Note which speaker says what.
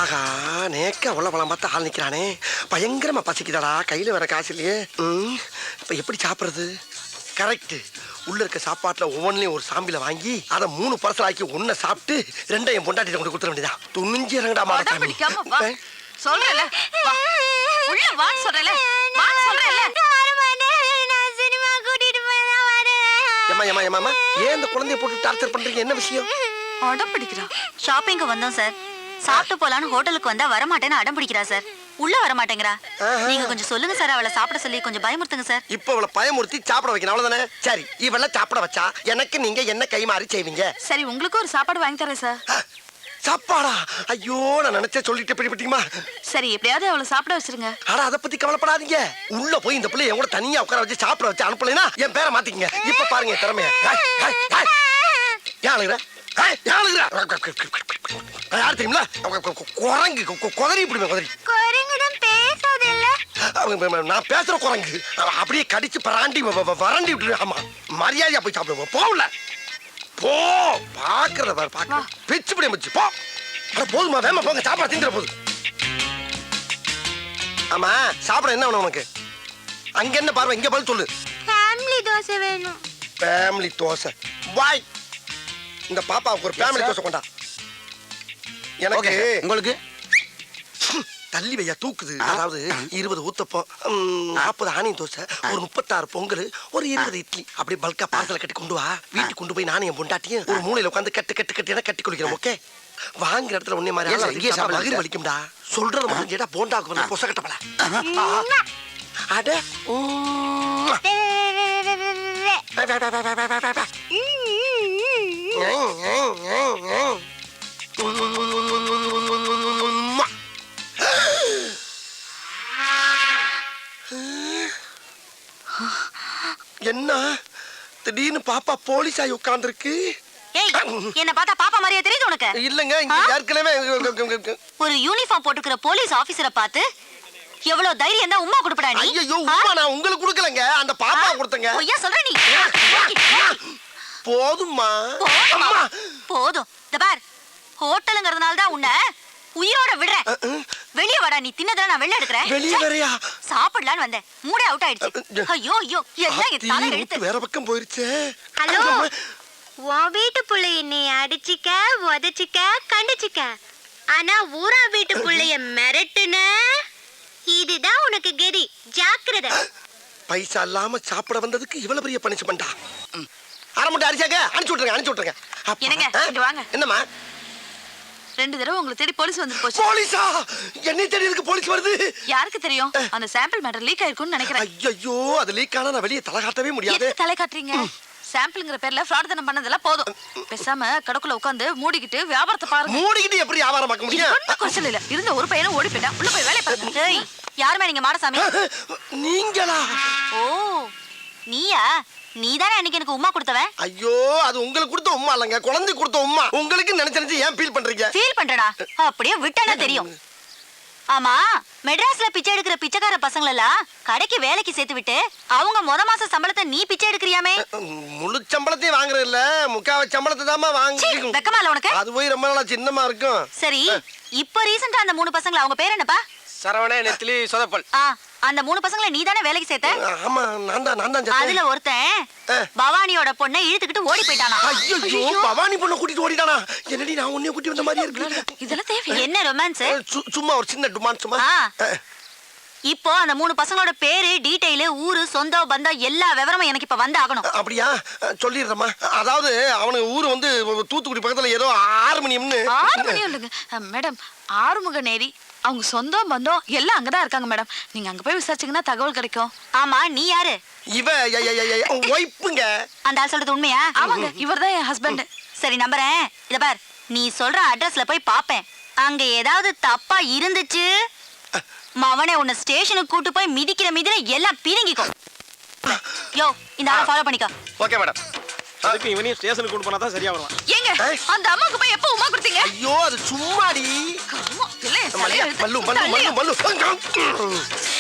Speaker 1: ஆகா நேக்க உள்ள பழம் பார்த்து ஆள் நிக்கிறானே, பயங்கரமா பசிக்குதாடா, கையில வேற காசு இல்லையே. இப்ப எப்படி சாப்பிடுறது? கரெக்ட், உள்ள இருக்க சாப்பாட்டுல ஒவ்வொன்றிலையும் ஒரு சாம்பில வாங்கி அதை 3 பார்சல் ஆக்கி ஒன்ன சாப்பிட்டு 2 என் பொண்டாட்டிட்ட கொண்டு கொடுத்துட வேண்டியதா. துணிஞ்சு இறங்கடா மாடசாமி.
Speaker 2: சொல்றல உள்ள வா சொல்றல வா சொல்றல.
Speaker 1: ஏமா ஏன் இந்த குழந்தைய போட்டு டார்ச்சர் பண்றீங்க? என்ன விஷயம்?
Speaker 2: அடம் பிடிக்கிறா.
Speaker 3: ஷாப்பிங்க்கு வந்தோம் சார். சாப்பிட்டு போலான்னு ஹோட்டலுக்கு வந்தா வரமாட்டேன்னு அடம் பிடிக்கிறா சார். உள்ள வர மாட்டேங்கிறா. நீங்க கொஞ்சம் சொல்லுங்க சார், அவளை சாப்பிட சொல்லி கொஞ்சம் பயமுறுத்துங்க சார்.
Speaker 1: இப்ப அவளை பயமுறுத்தி சாப்பிட வைக்கணும், அவ்வளவுதானே? சரி, இவளை சாப்பிட வச்சா எனக்கு நீங்க என்ன கை மாறி செய்வீங்க?
Speaker 2: சரி, உங்களுக்கு ஒரு சாப்பாடு வாங்கி தரேன் சார்.
Speaker 1: சாப்பாடா? ஐயோ, நான் நினைச்சே சொல்லிட்டு பிடிப்பீமா.
Speaker 2: சரி, எப்படியாவது அவளை சாப்பிட வச்சிருங்க.
Speaker 1: ஆனா அதை பத்தி கவலைப்படாதீங்க. உள்ள போய் இந்த பிள்ளை என் கூட தனியா உட்கார வச்சு சாப்பிட வச்சு அனுப்பலைன்னா என் பேரை மாத்திக்கங்க. இப்ப பாருங்க திறமைய. யார் தெரியுங்களா? குரங்கு குதறி இப்படி குதறி. நான் பேசுற குரங்கு அப்படியே கடிச்சு பராண்டி வறண்டி விட்டு. ஆமா, மரியாதையா போய் சாப்பிடுவோம். போகல போ, பாக்குறத பாரு, பாக்க பிச்சு பிடி வச்சு போ. போதுமா, வேமா போங்க, சாப்பாடு திங்கிற போது. ஆமா, சாப்பிட என்ன வேணும் உனக்கு? அங்க என்ன பார்வை, இங்க பதில் சொல்லு.
Speaker 4: ஃபேமிலி தோசை வேணும்.
Speaker 1: ஃபேமிலி தோசை வாய். இந்த பாப்பாவுக்கு ஒரு ஃபேமிலி தோசை கொண்டா. எனக்கு
Speaker 5: உங்களுக்கு
Speaker 1: தள்ளி வையா தூக்குது. அதாவது 20 ஊத்தப்பம், 40 ஆனியன் தோசை, ஒரு 36 பொங்கல், ஒரு 20 இட்லி, அப்படியே பல்கா பார்சல கட்டி கொண்டு வா. வீட்டுக்கு கொண்டு போய் நானும் என் பொண்டாட்டியும் ஒரு மூலையில உட்காந்து கட்டி குளிக்கிறோம். ஓகே? வாங்குற இடத்துல உன்னை மாதிரி வயிறு வலிக்கும்டா. சொல்றது மட்டும் கேட்டா போண்டாக்கு வந்து பொச கட்டப்பல. அட என்ன திடீர்னு பாப்பா போலீஸ் ஆகி உட்கார்ந்துருக்கு?
Speaker 3: என்ன பார்த்தா பாப்பா மாதிரியே தெரியுது உனக்கு?
Speaker 1: இல்லங்க, இங்க ஏற்கனவே
Speaker 3: ஒரு யூனிஃபார்ம் போட்டுக்கிற போலீஸ் ஆபீசரை பார்த்து எவ்வளவு தைரியம் தான் உம்மா கொடுப்படா நீ?
Speaker 1: ஐயோ, உம்மா நான் உங்களுக்கு கொடுக்கலங்க, அந்த பாப்பா கொடுத்தங்க.
Speaker 3: ஐயா சொல்ற நீ.
Speaker 1: போதும்மா.
Speaker 3: போதும். இந்த பார், ஹோட்டலுங்கிறதுனால தான் உன்னை உயிரோட விடுறேன். வெளிய வாடா, நீ தின்னதெல்லாம் நான் வெளிய எடுக்கறேன்.
Speaker 1: வெளிய வரையா?
Speaker 3: சாப்பிடலான்னு வந்தேன், மூடே அவுட் ஆயிடுச்சு. ஐயோ ஐயோ, எல்லாம் என் தலை எடுத்து
Speaker 1: வேற பக்கம் போயிருச்சு.
Speaker 4: ஹலோ, உன் வீட்டு புள்ளைய நீ அடிச்சிக்க, உதச்சிக்க, கண்டிச்சிக்க. ஆனா ஊரா வீட்டு புள்ளைய மிரட்டுன, இதுதான் உனக்கு கெதி. ஜாக்கிரதை.
Speaker 1: பைசா இல்லாம சாப்பிட வந்ததுக்கு இவ்வளவு பெரிய பனிஷ்மெண்டா? அரை முட்டை அடிச்சாங்க, அனுப்பிச்சு விட்டுருங்க.
Speaker 2: என்னங்க, இங்க வாங்க.
Speaker 1: என்னம்மா?
Speaker 2: 2 தடவை உங்களை தேடி போலீஸ் வந்து போச்சு.
Speaker 1: போலீஸா? என்னை தேடி இருக்கு போலீஸ் வருது?
Speaker 2: யாருக்கு தெரியும்? அந்த சாம்பிள் மேட்டர் லீக் ஆயிருக்கும்னு நினைக்கிறேன்.
Speaker 1: ஐயோ, அது லீக் ஆனா நான் வெளியே தலை காட்டவே முடியாது.
Speaker 2: எதுக்கு தலை காட்டுறீங்க? சாம்பிள்ங்கிற பேர்ல ஃப்ராட் தனம் பண்ணதெல்லாம் போதும். பேசாம கடக்குள்ள உட்கார்ந்து மூடிக்கிட்டு வியாபாரத்தை பாருங்க.
Speaker 1: மூடிக்கிட்டு எப்படி வியாபாரம் பார்க்க முடியும்?
Speaker 2: ஒண்ணும் குறைச்சல் இல்ல. இருந்த ஒரு பையனும் ஓடி போயிட்டான். உள்ள போய் வேலைய பாருங்க.
Speaker 3: ஏய், யாருமே நீங்க மாடசாமி?
Speaker 1: நீங்களா?
Speaker 3: ஓ, நீயா? நீதானே அன்னைக்கு எனக்கு உம்மா கொடுத்தவன்?
Speaker 1: ஐயோ, அது உங்களுக்கு கொடுத்த உம்மா இல்லங்க, குழந்தை கொடுத்த உம்மா. உங்களுக்கு நினைச்சு ஏன் ஃபீல் பண்றீங்க?
Speaker 3: ஃபீல் பண்றடா, அப்படியே விட்டானே தெரியும். ஆமா, மெட்ராஸ்ல பிச்சை எடுக்கிற பிச்சைக்கார பசங்கள எல்லாம் கடைக்கு வேலைக்கு சேர்த்து விட்டு அவங்க மாச சம்பளத்தை நீ பிச்சை எடுக்கிறியாமே?
Speaker 1: முழு சம்பளத்தையும் வாங்குறது இல்ல, முக்காவ சம்பளத்தை தாமா வாங்கி.
Speaker 3: வெக்கமா இல்ல உனக்கு?
Speaker 1: அது போய் ரொம்ப நாளா சின்னமா இருக்கும்.
Speaker 3: சரி, இப்போ ரீசன்ட்டா அந்த 3 பசங்கள, அவங்க பேர் என்னப்பா?
Speaker 5: சரவண, நெத்திலி, சொதப்பல்.
Speaker 3: அந்த 3 பசங்களை நீ தானே வேலைக்கு சேர்த்த?
Speaker 1: ஆமா, நான் தான்.
Speaker 3: அதுல ஒருத்தன் பவானியோட பொண்ணை இழுத்துக்கிட்டு ஓடி போயிட்டானா?
Speaker 1: ஐயோ, பவானி பொண்ணை கூட்டிட்டு ஓடிட்டானா? என்னடி நான் உன்னைய கூட்டி வந்த மாதிரி இருக்கு.
Speaker 2: இதெல்லாம் தேவை?
Speaker 3: என்ன ரொமான்ஸ்?
Speaker 1: சும்மா ஒரு சின்ன டுமான் சும்மா.
Speaker 3: இப்போ அந்த 3 பசங்களோட பேரு, டீடைல், ஊரு, சொந்தம், பந்தம் எல்லா விவரமும் எனக்கு இப்ப வந்து ஆகணும்.
Speaker 1: அப்படியா? சொல்லிடுறேம்மா. அதாவது அவனுக்கு ஊரு வந்து தூத்துக்குடி பக்கத்துல ஏதோ 6 மணியம்னு.
Speaker 2: 6 மணி இல்லைங்க மேடம், ஆறுமுக நேரி. அவங்க சொந்தம் பந்தம் எல்லாம் அங்கதான் இருக்காங்க மேடம். நீங்க அங்க போய் விசாரிச்சீங்கன்னா தகவல் கிடைக்கும்.
Speaker 3: ஆமா, நீ யாரு?
Speaker 1: இவ ஒய்ஃப்ங்க.
Speaker 3: அந்த ஆள் சொல்றது உண்மையா?
Speaker 2: ஆமாங்க, இவர்தான் என் ஹஸ்பண்ட்.
Speaker 3: சரி, நம்புறேன். இத பார், நீ சொல்ற அட்ரஸ்ல போய் பாப்பேன். அங்க ஏதாவது தப்பா இருந்துச்சு, மவனே உன்னை ஸ்டேஷனுக்கு கூட்டு போய் மிதிக்கிற எல்லாம் பிரிங்கிக்கும். யோ, இந்த ஆளை ஃபாலோ பண்ணிக்கோ.
Speaker 5: Okay madam. அதுக்கு இவனையும் ஸ்டேஷனுக்கு கூட்டு போனா தான் சரியா வருவான்.
Speaker 2: ஏங்க, அந்த அம்மாக்கு போய் எப்ப உமா கொடுத்தீங்க?
Speaker 1: ஐயோ, அது சும்மாடி.
Speaker 2: இல்ல,
Speaker 1: மல்லு.